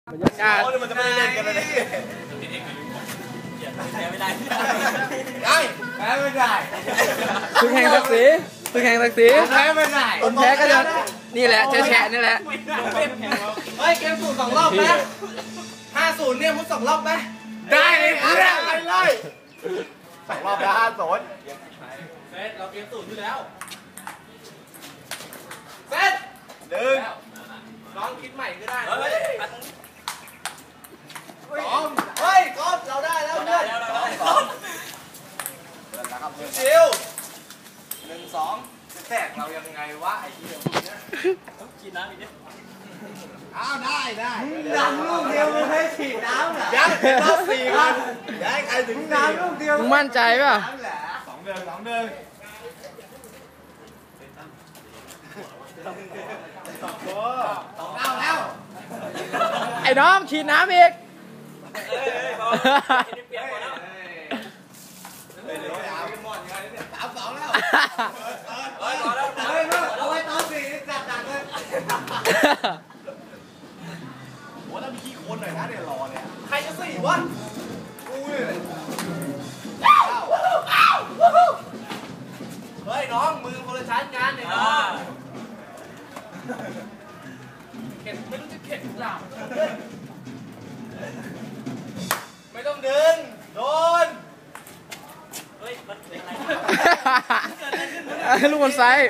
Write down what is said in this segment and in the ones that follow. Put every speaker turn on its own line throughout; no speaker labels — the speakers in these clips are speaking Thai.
บรรยากาศ
มันจะไม่ได้เล่นกันเลยแพ้ไม่ได้แพ้ไม่ได้
ศึกแห่งศักดิ์ศรีศึกแห่งศักดิ์ศรี
แพ้ไม่ได้
คนแพ้ก็จะนี่แหละแฉะนี่แหละ
เฮ้ยเกมสูตร2 รอบไหม50เนี่ยมุด2 รอบไหมได้เลยไปเลย2 รอบแล้ว50เฟสเราเกมสูตรอยู่แล้วเฟสลองคิดใหม่ก็ได้เฮ้ยก๊อฟเราได้แล้วเพื่อนชิว1 2แตกเรายังไงวะไอ้เหี้ยต้องกินน้ำอีกนิดอ้าวได้น้ำลูกเดียวมึงให้ฉีดน้ำเหรอยังรอบ4กันยังใครถึงน้ำลูกเดียว
มึงมั่นใจป่ะ
2 เดือนแล้ว
ไอ้น้องฉีดน้ำอีก
เอาไว้ตอน4นี่จัดหนักเลยโหแล้วมีขี้โคลนหน่อยนะเนี่ยรอเนี่ยใครจะ4 วะกูเลยเฮ้ยน้องมือคนละชั้นกันเนี่ยน้องเข็นไม่รู้จะเข็นหรือเปล่าไม่ต้องดึงโดนเฮ้ยมันเป็นอะไร
ลูกบอลไซด์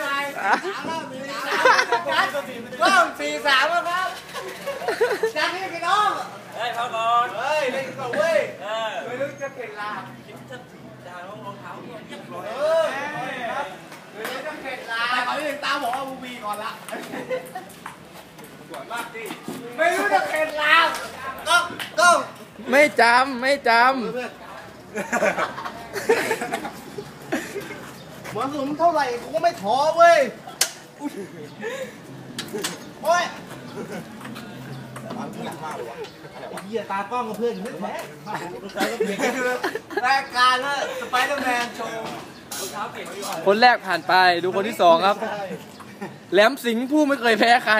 ก็4-3แล้วครับจัดให้พี่น้องเฮ้ยเข้าก่อนเฮ้ยเล่นก่อนเว้ยไม่รู้จะเข็นลาคิดจะด่ารองเท้าเนี่ยเรียบร้อยไม่รู้จะเข็นลาแต่ก่อนที่ตาบอกว่าบูบีก่อนละสวยมากดิไม่รู้จะเข็นลาต้อง
ไม่จำ
หมอสุมเท่าไหร่กูก็ไม่ท้อเว้ยโอ้ยเหี้ยตากล้องกับเพื่อนไม่แพ้รายการแล้วสไปเดอร์แมนโชว์
คนแรกผ่านไปดูคนที่2ครับแหลมสิงห์ผู้ไม่เคยแพ้ใคร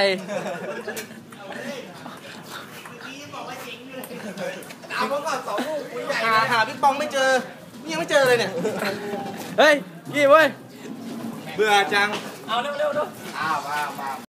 ตามมาก่อน2 ลูกหาพี่ปองไม่เจอนี่ยังไม่เจอเลยเนี่ย
เฮ้ยกี่เว้ย
เบื่อจัง
เอาเร็ว
มา